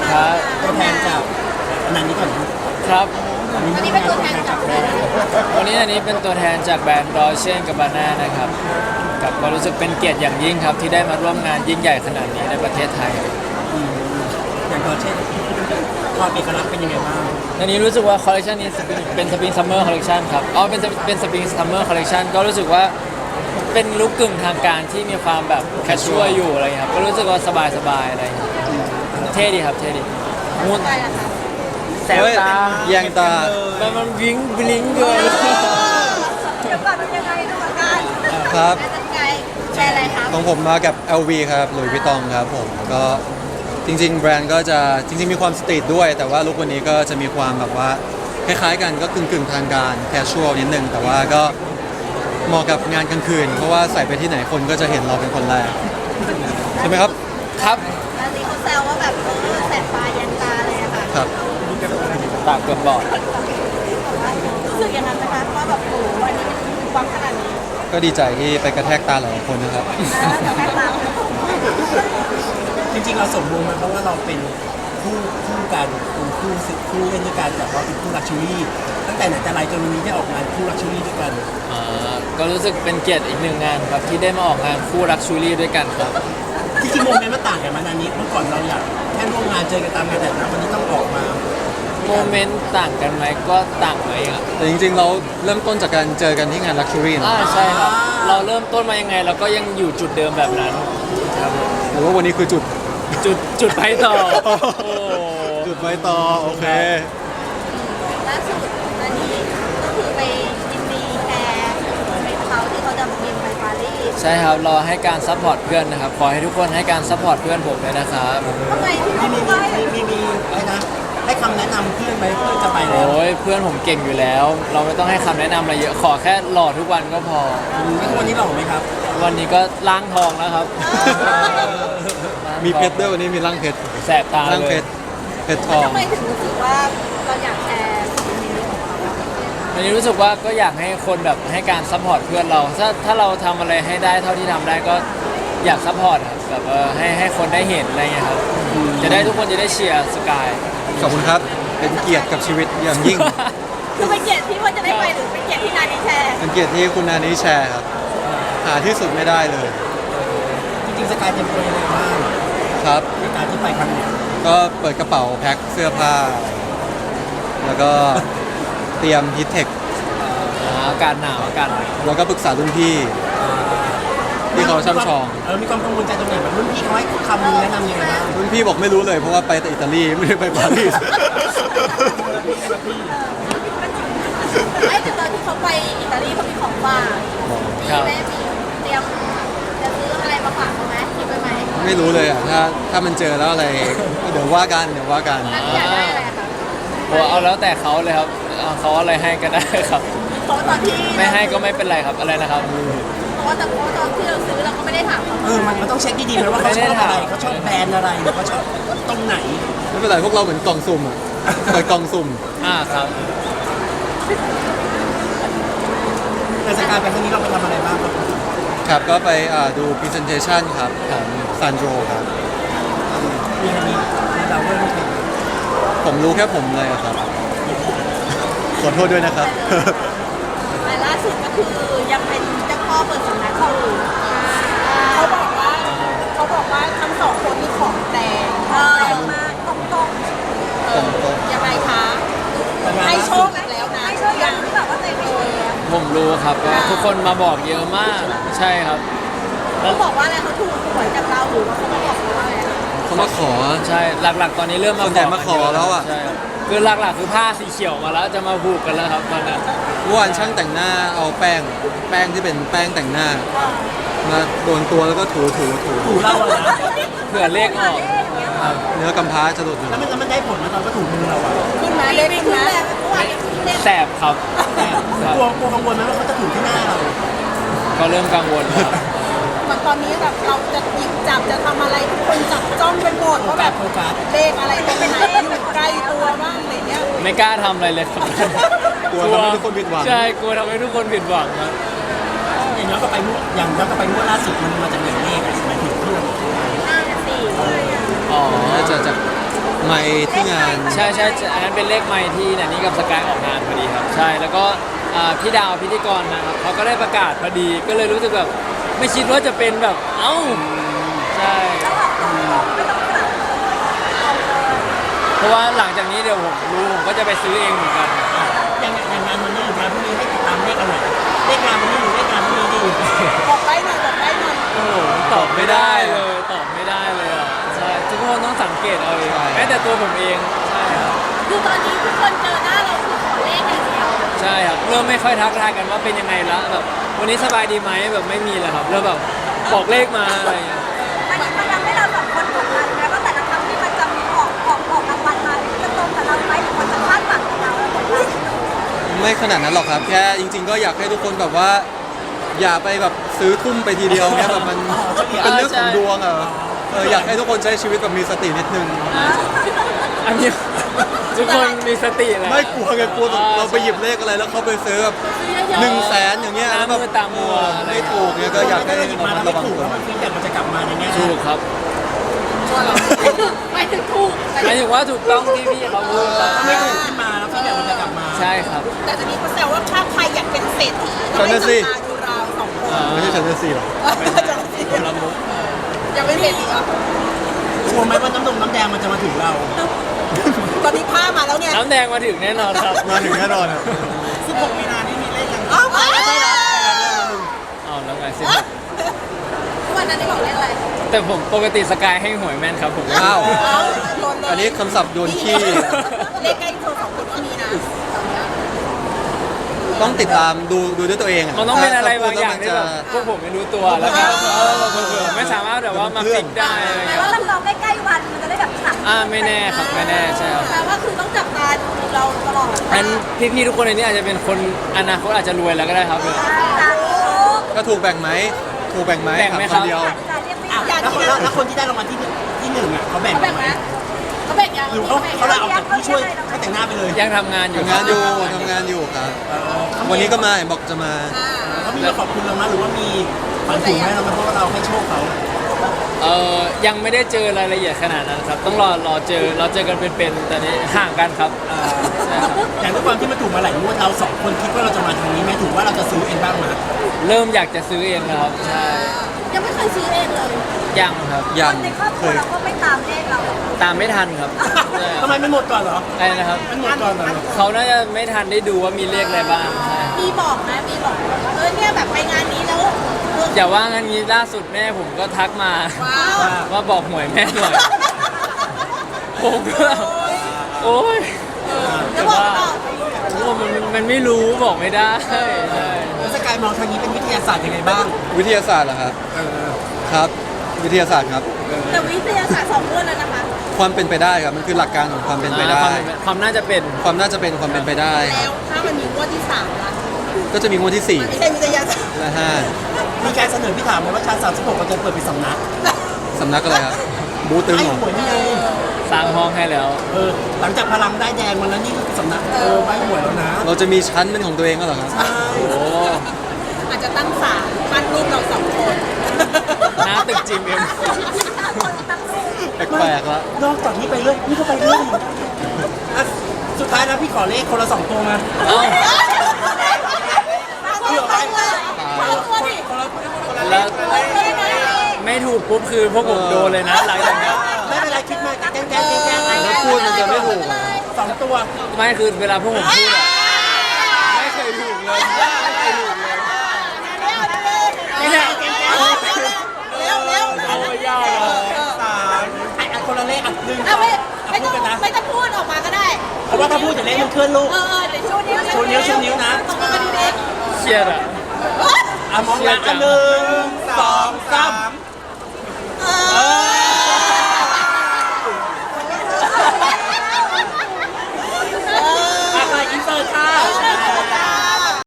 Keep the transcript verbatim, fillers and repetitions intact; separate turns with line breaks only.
ครับ
ตัวแทนจากอันนั้นนี้ก่อน
ครับ
อันนี้เป็นตัวแทนจากแบรนด์
วันนี้อันนี้เป็นตัวแทนจากแบรนด์ดอเชนกับบาน่านะครับกับก็รู้สึกเป็นเกียรติอย่างยิ่งครับที่ได้มาร่วมงานยิ่งใหญ่ขนาดนี้ในประเทศไทย
อย่างตัวเช่นความเอกลักษณ์เป็นยังไงบ้าง
อันนี้รู้สึกว่าคอลเลคชันนี้เป็นสปริงซัมเมอร์คอลเลคชันครับอ๋อเป็นเป็นสปริงซัมเมอร์คอลเลคชันก็รู้สึกว่าเป็นลุคกึ่งทางการที่มีความแบบแคชชวลอยู่อะไรอย่างเงี้ยครับก็รู้สึกว่าสบายสบายๆอะไรอย่างเงี้ยเท่ดีครับเท่ดีมูน
ไปละค่ะ
แสบตา
แยงตา
มันมันวิ้งบลิงเกิน
เดี๋ยวก่อนเป็นยังไงดูอาการ
ครับ
แม่ตั้งใจแชร์อะไรครับ
ของผมมากับ แอล วี ครับหลุยส์วิตตองครับผมก็จริงๆ แบรนด์ก็จะจริงๆ มีความสตรีทด้วย แต่ว่าลุควันนี้ก็จะมีความแบบว่าคล้ายๆกันก็กึ่งๆ ทางการแคชชวลนิดนึง แต่ว่าก็เหมาะกับงานกลางคืน เพราะว่าใส่ไปที่ไหนคนก็จะเห็นเราเป็นคนแรก ใช่ไหมครับ
ครับ
แล้วนี่เขาแซวว่าแบบเออแสบตายันตาเลยอะค่ะ
ครับ
ตาเกือบบอด
รู้สึกอย่างนั้นไหมคะว่าแบบโอ้โหวันนี้มันวังขนาดนี้
ก็ดีใจที่ไปกระแทกตาหลายคนนะครับ
แล้วจะแม่ตาม
จริงๆเราสมมุติมาเพราะว่าเราเป็นคู่คู่กันเป็นคู่สิคู่เล่นด้วยกันแต่ว่าเป็นคู่ลักชัวรี่ตั้งแต่ไหนแต่ไรจนวันนี้ได้ออกงานคู่ลักชัวรี่ด้วยกัน
อ่าก็รู้สึกเป็นเกียรติอีกหนึ่งงานครับที่ได้มาออกงานคู่รักชูรี่ด้วยกันครับ
จริงๆโมเมนต์มันต่างกันมานานนี้เมื่อก่อนเราอยากแค่ร่วมงานเจอกันตามงานแต่นะวันนี้ต้องออกมา
โมเมนต์ต่างกันไหมก็ต่างไหมอ่ะ
แต่จริงๆ เราเริ่มต้นจากการเจอกันที่งาน Luxury นะ
อ่าใช่ครับ เราเริ่มต้นมายังไงเราก็ยังอยู่จุดเดิมแบบนั้นครับผม
หรือว่าวันนี้คือจุด
จุดจุดไปต่อโอ้
จุดไว้ต่อโอเค
ล่าสุดอันนี้ก็คือไปยินดีแพรไปเขาที่เขาจะบินไปปารีส
ใช่ครับรอให้การซัพพอร์ตเพื่อนนะครับขอให้ทุกคนให้การซัพพอร์ตเพื่อนผมเลยนะครับ
ทำไมที่
มี
เขา
มี
บอกว่า
มีมีมีอะไรนะให้คำแนะนำเพื่อนไหมเพื่อนจะไปแล้ว
โอ้ยเพื่อนผมเก่งอยู่แล้ว เราไม่ต้องให้คำแนะนำอะไรเยอะขอแค่หล่อทุกวันก็พอ
แล้ววันนี้หล่อไหมครับ
วันนี้ก็ล้างทองแล้วครับ
มีเพชรด้วยวันนี้มีร่างเพชร
แสบตา
ร่าง
เล
เพ
ย
ชรเพชรทอง
ทำไมถึงรู้สึกว่าเราอยากแชร์สิ่งนี้ของเรา
วันนี้รู้สึกว่าก็อยากให้คนแบบให้การซัพพอร์ตเพื่อนเรา ถ้าถ้าเราทำอะไรให้ได้เท่าที่ทำได้ก็อยากซัพพอร์ตครับแบบเออให้ให้คนได้เห็นอะไรเงี้ยครับจะได้ทุกคนจะได้เชียร์สกาย
ขอบคุณครับ เป็นเกียรติกับชีวิตอย่างยิ่ง
คือเป็นเกียรติที่ว่าจะได้ไปหรือเป็นเกียรติที่นานี้แชร์
เป็นเกียรติที่คุณนานี้แชร์ครับ หาที่สุดไม่ได้เลย
จริงๆสกายเตรียมตัวยังไงบ้าง
ครับ
ในการที่ไปครั้งนี้
ก็เปิดกระเป๋าแพ็คเสื้อผ้า แล้วก็เตรียมฮิตเทค
อ่าอากาศหนาวอากาศหนาว
แล้วก็ปรึกษารุ่นพี่ ที่เขาช่ำชอง
เออมีความกังวลใจตรงไหนแบบรุ่นพี่เขาให้คำแนะนำยังไงบ้าง
รุ่นพี่บอกไม่รู้เลยเพราะว่าไปแต่อิตาลีไม่ได้ไปปารีส
ไอ้แต่ตอนที่เขาไปอิตาลีเขามีของฝากมีแม่มีเตรียมจะซื้ออะไรมาฝากเขาไหมคิดไว้ไหม
ไม่รู้เลยอ่ะถ้าถ้ามันเจอแล้วอะไรเดี๋ยวว่ากันเดี๋ยวว่ากัน
แล้วอยากได้อะไรคะ
โอ้เอาแล้วแต่เขาเลยครับเอาเขาอะไรให้ก็ได้ครับ
เพราะตอนที่
ไม่ให้ก็ไม่เป็นไรครับอะไรนะครับ
เพราะว่าแต่เพราะตอนที่เราซื้อเราก็ไม่ได้ถามเขา
เออมันมันต้องเช็คดีๆนะว่าเขาชอบอะไรเขาชอบแบรนด์อะไรหรือเขาชอบตรงไหน
ไม่เป็นไรพวกเราเหมือนกล่องสุ่มอ่ะเปิดกล่องสุ่ม
อ่าครับ
แต่สกายไปครั้งนี้เราไปทำอะไรบ้างครับ
ครับก็ไปอ่าดู presentation ครับของซันโดครับ
มีอันนี้เราไม่รู้เป็น
ผมรู้แค่ผมเลยอะครับ ขอโทษด้วยนะครับ
แต่ล่าสุดก็คือยังเป็นเจ้าพ่อเปิดสำนักอยู่เขาบอกว่าเขาบอกว่าทั้งสองคนนี่ของแต่งเออมากตรงตรงเออยังไงคะให้โชคอีกแล้วนะให้โชคยังที่แบบว่าแต่งเอง
ผมรู้ครับว่าทุกคนมาบอกเยอะมากใช่ครับ
เขาบอกว่าอะไรเขาถูกหวยจากเราหรือว่าเขามาบอกเราว่าอะไร
เขามาขอ
ใช่หลักๆ ตอนนี้เริ่มมา
ส่วนใหญ่มาขอแล้วอะ
ใช่ครับคือหลักๆ คือผ้าสีเขียวมาแล้วจะมาผูกกันแล้วครับตอนนี้
เมื่อวานช่างแต่งหน้าเอาแป้ง แป้งที่เป็นแป้งแต่งหน้า มาโดนตัวแล้วก็ถูถูถู
ถูเราอะนะ
เผื่อเลขออกครับ
เนื้อกำพร้าจะหลุดอยู่
แล้วมันแล้วมันได้ผลมาตอนก็ถูมือเราอะ
ขึ้นมาเลขขึ้นมา
แสบครับ
แต่กลัวกลัวกังวลไหมว่าเขาจะถูที่หน้าเรา
ก็เริ่มกังวลครับ
เหมือนตอนนี้แบบเราจะหยิบจับจะทำอะไรทุกคนจับจ้องเป็นหมด
โฟ
ว่าแบ
กัส
บ
โฟกัส
เลขอะไรตรงไหนอยู่ใกล้ตัวบ้างอะไรเงี้ย
ไม่กล้าทำอะไรเลยครับ
กลัวทำให้ทุกคนผิดหวัง
ใช่กลัวทำให้ทุกคนผิดหวังครับ
อย่างย้อนกลับไปงวดอย่างย้อนกลับไปงวดล่าสุดมันมาจากไหนเลขอะหมายถึงที่เรา
ห้าสี่
อ๋อ
น่าจะจากไมค์ที่งาน
ใช่ใช่อันนั้นเป็นเลขไมค์ที่นันนี่กับสกายออกงานพอดีครับใช่แล้วก็อ่าพี่ดาวพิธีกรนะครับเขาก็ได้ประกาศพอดีก็เลยรู้สึกแบบไม่คิดว่าจะเป็นแบบเอ้าใช่เพราะว่าหลังจากนี้เดี๋ยวผมรู้ผมก็จะไปซื้อเองเหมือนกัน
อย่างอย่างงานวันนี้หรืองานพรุ่งนี้ให้ติดตามเลขอะไรเลขงานวันนี้หรือเลขงานพรุ่งนี้ดี
บอกไปหน่อยบอกไปหน่อย
โอ้โหตอบไม่ได้เลยตอบไม่ได้เลยอ่ะใช่ทุกคนต้องสังเกตเอาเองแม้แต่ตัวผมเองใช่ครับ
คือตอนนี้ทุกคนเจอหน้าเราคือขอเลขอย่างเดียว
ใช่ครับเริ่มไม่ค่อยทักทายกันว่าเป็นยังไงละแบบวันนี้สบายดีไหมแบบไม่มีแล้วครับเริ่มแบบบอกเลขมาอะไรอย่างเงี้ย
มันมันทำให้เราสองคนกดดันไหมว่าแต่ละครั้งที่มันจะมีออกออกออกรางวัลมาจะตรงกับเราไหมหรือคนจะคาดหวังกับเราแล้วกดดัน
ไม่ขนาดนั้นหรอกครับ แค่จริง ๆ ก็อยากให้ทุกคนแบบว่า อย่าไปแบบซื้อทุ่มไปทีเดียวเนี่ยแบบมันเป็นเรื่องของดวงอ่ะเอออยากให้ทุกคนใช้ชีวิตแบบมีสตินิดนึง
อันนี้ทุกคนมีสติแหละ
ไม่กลัวไงกลัวแบบเราไปหยิบเลขอะไรแล้วเขาไปซื้อแบบหนึ่งแสนอย่างเงี้ยแล้วแบบ
น้ำมือตามัวอะไร
ไม่ถูกเนี่ยก็อยากให้
ถ้าหยิบ
ระ
มา
มั
แล้
ด
ว
ระ
ไม่
วัง
ถูก
ตัว
แล้วมันฟีดแบ็กมันจะกลับมาในแง่
ถูกครับ
หมายถึงถูก
หมายถึงว่าถูกต้องที่พี่เขาพูดครับ
ถ้าไม่ถูกขึ้นมาแล้วฟีดแบ็กมันจะกลับมา
ใช่ครับ
แต่ตอนนี้เขาแซวว่าถ้าใครอยากเป็นเศรษฐี
ฉันน่ะสิ
ต้องไปจับตาดูเราสองคน
อ่า
ไม่ใช่ฉันจะสี่หรอก
คนละมุก
อยากเป็นเศรษฐีเหรอก
ลัวไหมว่าน้ำนมน้ำแดงมันจะมาถึงเรา
ตอนนี้ผ้ามาแล้วเนี่ย
น้ำแดงมาถึงแน่นอนครับ
มาถึงแน่นอนอ่ะ
สิบหกมีนานี่มีเลขยัง
อ้าวไม่ใช่แล้ว
เอาแล้วไงสิ
วันนั้นได้บอกเลขอะไร
แต่ผมปกติสกายให้หวยแม่นครับผม
อ้าว
อ้าวโดนเลย
อันนี้คำศัพท์โยนขี้
เลขใกล้ตัวสองคนก็มีนะ
ต้องติดตามดูดูด้วยตัวเองอะ
มันต้องเป็นอะไรบางอย่าง
ถ้
ที่
พูด
แบ
แล้ว
บพวกผมไม่รู้ตัวแล้วก็เออเผื่อๆไม่สามารถแบบว่ามาฟิกได้อะไร
แต่
เงี้ย
ว่าเราลองใกล้ๆวันมันจะได้แบบสั่ง
อ่าไม่แน่ครับไม่แน่ใช่ครับ
แปลว่าคือต้องจับตาดูเราตลอด
อันพี่ๆทุกคนในนี้อาจจะเป็นคนอนาคตอาจจะรวยแล้วก็ได้ครับ
ตาดู
ก็ถูกแบ่งไหมถูกแบ่งไหม
แบ่งไหม
ถา
ครับ
คำเดียว
อ่ะแล้วคนแล้วคนที่ได้รางวัลที่หนึ่งที่หนึ่งอ่ะเขาแบ่ง
เขาแบ่ง
ไหม
นะเขาแบ่งยัง
หรือเขาเขาลาออกจากผู้ช่วยเขาแต่งหน้าไปเลย
ยังทำงานอยู่
ทำงานอยู่ทำงานอยู่ครับ วันนี้ก็มาบอกจะมา
อ่า
เขามีมาขอบคุณเราไหมหรือว่ามีฝันถึงไหมเราไหมเพราะว่าเราให้โชคเขา
เออยังไม่ได้เจอรายละเอียดขนาดนั้นครับ ต้องรอรอเจอเราเจอกันเป็นๆแต่นี้ห่างกันครับใช่ครับ
อย่างด้วยความที่มันถูกมาหลายงวดเราสองคนคิดว่าเราจะมาทางนี้ไหมถือว่าเราจะซื้อเองบ้างไหม
เริ่มอยากจะซื้อเองแล้วครับใช่
ยังไม่เคยซื้อเองเลย
ยังครับ
ยัง
ในครอบค
เค
รัวย เราก็ไม่ตามเลขเรา
ตามไม่ทันครับใช่ค
ทำ
รับ
ไมไม่หมดก่อนเหรอ
ไอ้นะครับ
มันหมดก่อนเหรอ
เขาน่าจะไม่ทันได้ดูว่ามีเลขอะไรบ้างใช่
มีบอกนะมีบอกเออเนี่ยแบบไปงานนี้แล้วเออ
อย่าว่างั้นงี้ล่าสุดแม่ผมก็ทักมา
ว้าว
ว่าบอกหวยแม่หน่อยผมก็แบบโอ๊ย
แล้วบอกต่อ
โอ้มันมันไม่รู้บอกไม่ได้ใช่
แล้วสกายมองทางนี้เป็นวิทยาศาสตร์ยังไงบ้าง
วิทยาศาสตร์เหรอครับ
เออ
ครับ วิทยาศาสตร์ครับ
แต่วิทยาศาสตร์สองคนแล้วนะคะ
ความเป็นไปได้ครับ มันคือหลักการของความเป็นไปได้
ความความน่าจะเป็น
ความน่าจะเป็นความเป็นไปได้ค
แล้
รับ
วถ้ามันมีงวดที่สามล่ะ
ก็จะมีงวดที่สี่
ไม่ใช่วิทยาศาสตร์
และห้า
มีการเสนอพี่ถามไหมว่าชั้นสามสิบหกเราจะเปิดเป็นสำนัก
สำนักอะไรครับ บูตึง
ให้
เหรอ
หวยนี่ไง
สร้างห้องให้แล้ว
เออหลังจากพลังได้แดงมันแล้วนี่คือสำนักเออไม่หวยแล้วนะ
เราจะมีชั้นเป็นของตัวเองก็เหรอครับ
ใช่
โอ้
อาจจะตั้งศาลปั้นรูปเราสองคน
หน้าตึกจีมเอ็ม
แปลกๆแล้ว
นอกจากนี้ไปเรื่อยนี่ก็ไปเรื่อยอ่ะสุดท้ายแล้วพี่ขอเลขคนละสองตัวมา
เอ้า
เผื่อไป
เอาตัวดิ
คนละคนละเล
แล้ว
ขคนละเลข
ไม่ถูกปุ๊บคือพวกผมโดนเลยนะหลังจากเนี้ย
ไม่เป็นไรคิดมาแกล้งแกล้งแกล้งแกล้ง
แล้วพูดมันจะไม่ถูก
สองตัว
ไม่คือเวลาพวกผมพูดอะไม่เคยถูกเลยไม่เคยถูกเลย
เร็วเร็วเร็วเร็ว
เอาไว้ยากเลย
สามไอ้อันคนละเลขอันหนึ่ง
เอาไม่ไม่
พู
ต้
ด
อง
กันนะ
ไม่ต้องพูดออกมาก็ได้
เพราะว่าถ้าพูดจะเลขมันเคลื่อนลูก
เออเออเดี๋ยวชูนิ้ว
ชูนิ้วชูนิ้วนะ
ตรงกันดี
เครียดอะ
อ่ะมองหลังอันหนึ่งสองสาม